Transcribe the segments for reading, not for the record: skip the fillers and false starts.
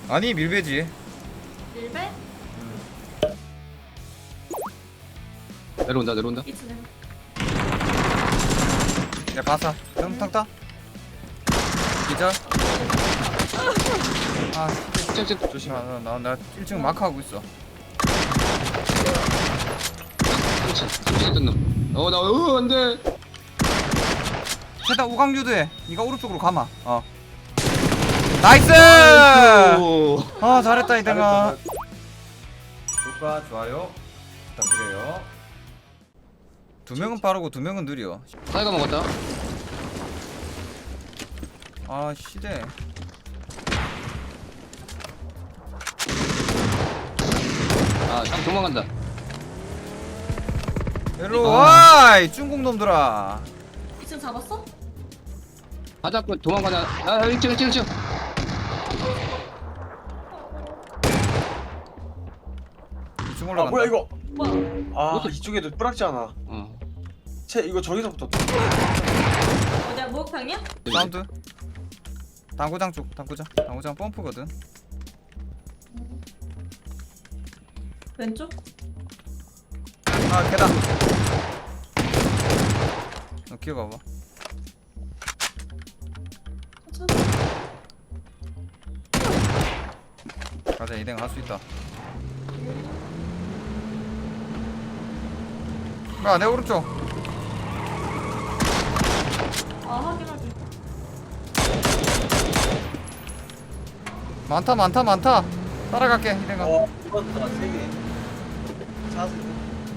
아니 밀배지. 밀배? 내려온다 내려온다. 이츠네. 야 가사 좀 탁다 기절. 아 쨍쨍. 조심하. 나 1층 마크 하고 있어. 3층 뜬 놈. 나 안돼. 최다 우강 유도해. 니가 오른쪽으로 가마. 나이스. 오. 잘했다 이등아. 구독과 좋아요 부탁드려요. 2명은 빠르고 2명은 느려. 사이가 먹었다. 아 시대. 형 도망간다. 일로 와, 이 중국 놈들아. 2층 잡았어? 바닥 도망가냐? 1층. 이중 아 올라간다. 뭐야 이거? 뭐야? 아 이쪽에도 뿌락지 않아. 채 이거 저기서부터. 어디야? 목욕탕이야? 사운드. 당구장 쪽, 당구장 펌프거든. 왼쪽? 계단. 너 기어가봐. 천천히. 가자, 이등 할 수 있다. 내 오른쪽. 확인하기. 많다. 따라갈게, 이등아. 죽었다 세 개. 자세.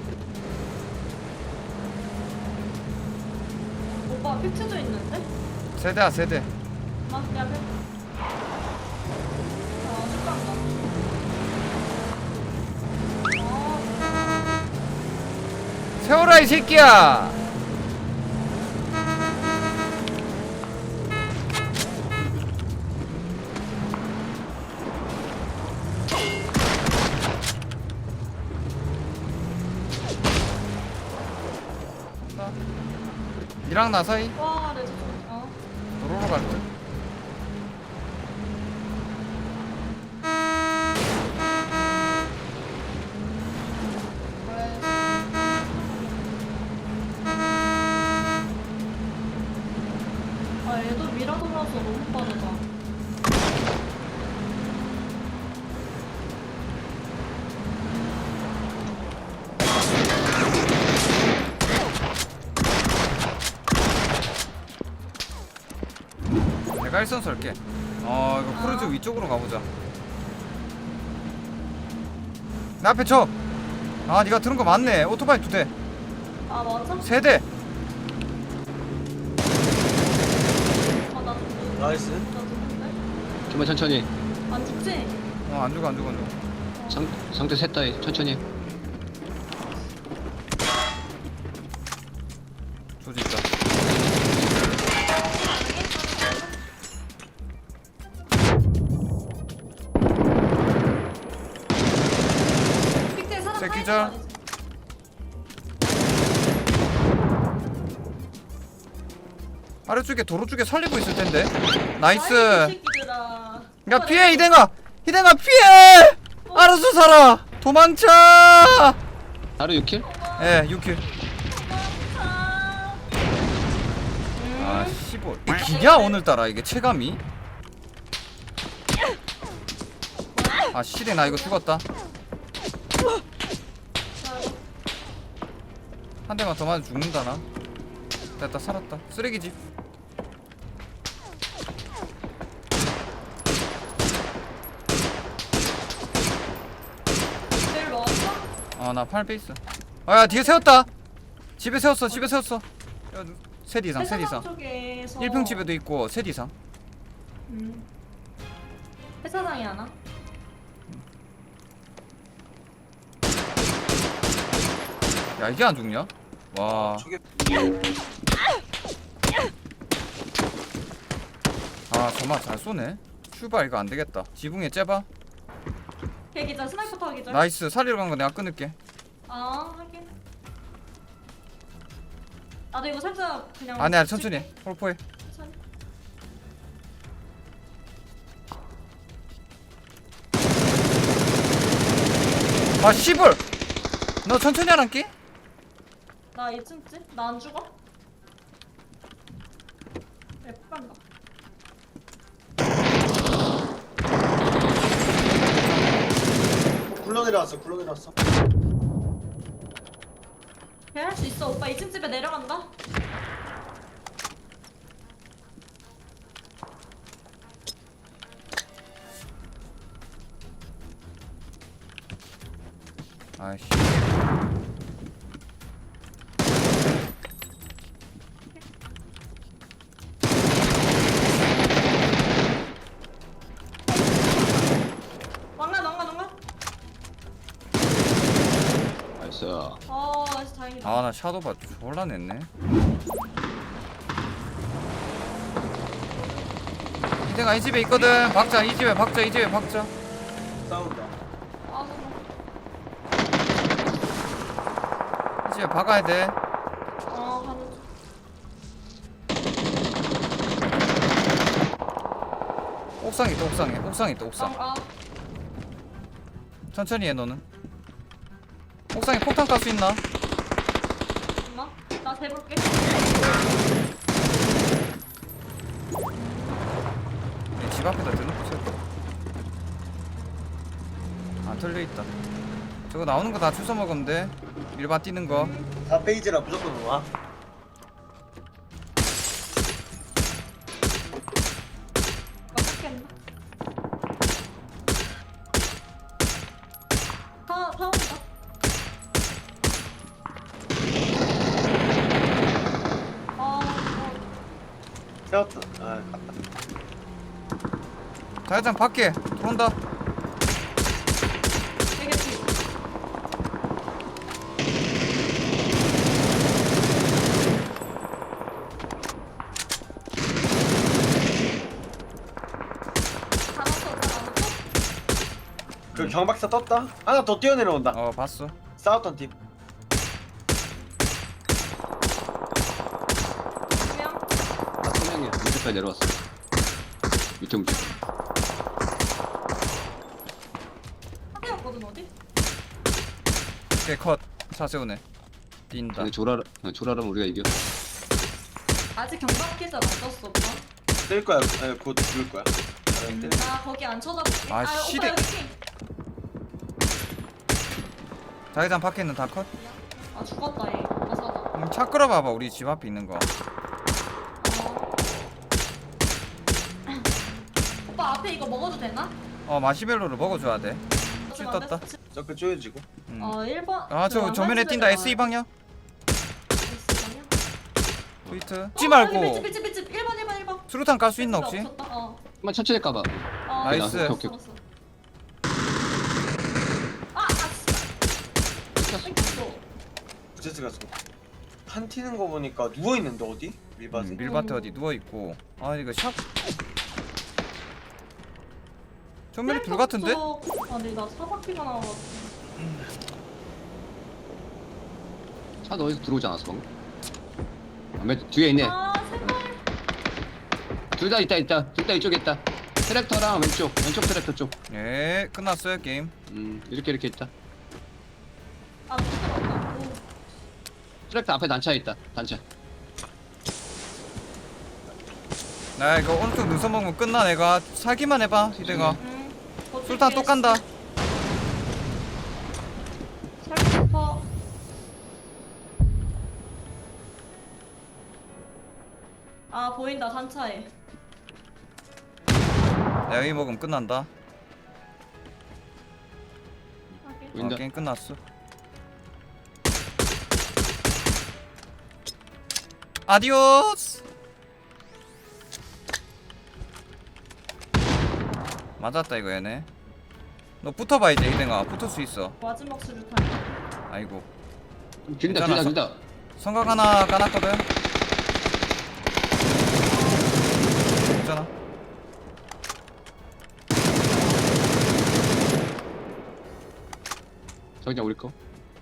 오빠 픽트도 있는데? 세대. 야, 축간다. 세워라, 이 새끼야. 니랑 나 사이 와, 내 저쪽. 도로로 갈 듯. 얘도 미라 돌아서 너무 빠르다. 내가 1선 설게. 이거 크루즈 위쪽으로 가보자. 내 앞에 쳐. 니가 들은 거 맞네. 오토바이 2대. 맞아? 3대. 나 죽는데? 나이스. 나 죽는데? 좀만 천천히. 안 죽지? 안 죽어. 상태 셋다 천천히. 조지 있다. 픽트에 사람 새끼절. 타 있는 아래쪽에 도로 쪽에 살리고 있을 텐데. 거 나이스. 아니지? 이 새끼들아. 야 피해 이댕아 피해. 알아서 살아. 도망쳐. 하루 6킬? 예 6킬. 아, 15. 기냐 오늘따라 이게 체감이. 시대 나 이거 죽었다. 한 대만 더 맞으면 죽는다 나. 됐다 살았다. 쓰레기집. 내일 넣었어? 나 8베이스. 야 뒤에 세웠다. 집에 세웠어. 셋 이상. 쪽에서 1평 집에도 있고 셋 이상. 회사장이 하나? 야 이게 안 죽냐? 와. 저게 정말 잘 쏘네. 슈발 이거 안 되겠다. 지붕에 째봐. 걔기절 스나이퍼 타기절. 나이스. 살리러 간 거 내가 끊을게. 하긴. 나도 이거 살짝 그냥. 아니야 천천히. 홀포해. 천천히. 아 씨불. 너 천천히 하란께? 나 2층집? 나 안 죽어? 왜 폭간다. 굴러 내려왔어. 굴러 내려왔어. 걔할 수 있어. 오빠 2층 집에 내려간다. 아이씨. 왕관. 나이스. 나이스 다행이다. 아 나 샤도바 졸라 냈네. 이제가 이 집에 있거든. 박자 이 집에 박자 이 집에 박자. 싸운다. 아, 이 집에 박아야 돼. 가는 중. 옥상 있다 옥상에. 옥상 있다 옥상. 천천히 해 너는. 옥상에 폭탄 깔 수 있나? 엄마? 나 대볼게. 집 앞에다 대놓고 세웠다. 안 털려있다. 저거 나오는 거 다 주워 먹으면 돼. 일반 뛰는 거. 4페이지라 무조건 와. 어떻게 했나? 타온다. 세웠다. 아, 갔다. 자회장 밖에 들어온다. 되겠지. 그 경박사 떴다. 하나 더 뛰어내려온다. 어 봤어. 싸웠던 팀. 그냥 나 3명이야. 밑에까지 내려왔어. 밑에 움직여. 하나였거든 어디? 오케이 컷. 차 세우네. 뛴다. 근데 조라라면 우리가 이겨. 아직 경박기사 안 떴어 오빠. 뜰 거야. 아니, 곧 죽을 거야. 나 거기 안 쳐다볼게. 아, 오빠 시대. 여기 핑. 자회장 밖에 있는 다 컷. 아 죽었다 얘. 가사다. 차 끌어봐봐. 우리 집 앞에 있는 거. 오빠 앞에 이거 먹어도 되나? 어 마시멜로를 먹어줘야 돼. 칠 떴다. 저그 쪼여지고. 1번. 아 저 정면에 뛴다. S2 방향. S2방향? 트위트. 찌 말고. 집 1번. 수류탄 깔 수 있나 혹시? 없었다. 한번 천천히 까봐. 나이스. 오케이. 뺏겼어. 부채스가 한 튀는 거 보니까 누워 있는데 어디? 밀밭에. 밀밭에 어디 누워 있고. 아 이거 샵. 정면에 둘 같은데? 아니 나 사바퀴가 나와가지고. 차도 어디서 들어오지 않았어 방금? 아, 뒤에 있네. 아 제발. 둘 다 있다. 둘 다 이쪽에 있다. 트랙터랑 왼쪽 트랙터 쪽. 예 끝났어요 게임. 이렇게 있다. 아 부끄럽다. 오. 트랙터 앞에 단차에 있다. 단차. 나 이거 오른쪽 눈썹 먹으면 끝나. 내가 살기만 해봐 희대가. 버틸게. 술탄 또 간다. 살고 싶어. 아 보인다 단차에. 내가 여기 먹으면 끝난다. 확인. 보인다. 게임 끝났어. 아디오스. 맞았다 이거 얘네. 너 붙어봐 이제 희댕아. 붙을 수 있어. 마지막 수류탄. 아이고. 길다. 성각 하나 까놨거든. 있잖아. 저기 우리 거.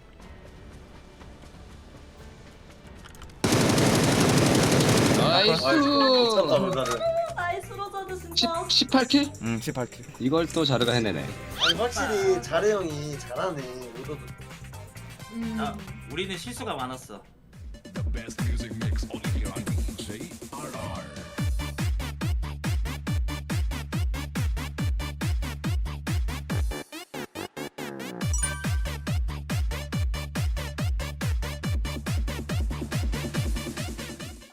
나이스. 미쳤다 로자르. 나이스 로자드 진짜. 18킬? 18킬. 이걸 또 자르가 해내네. 아니 확실히 자르 형이 잘하네. 없어도 돼. 음. 아, 우리는 실수가 많았어. The best music mix only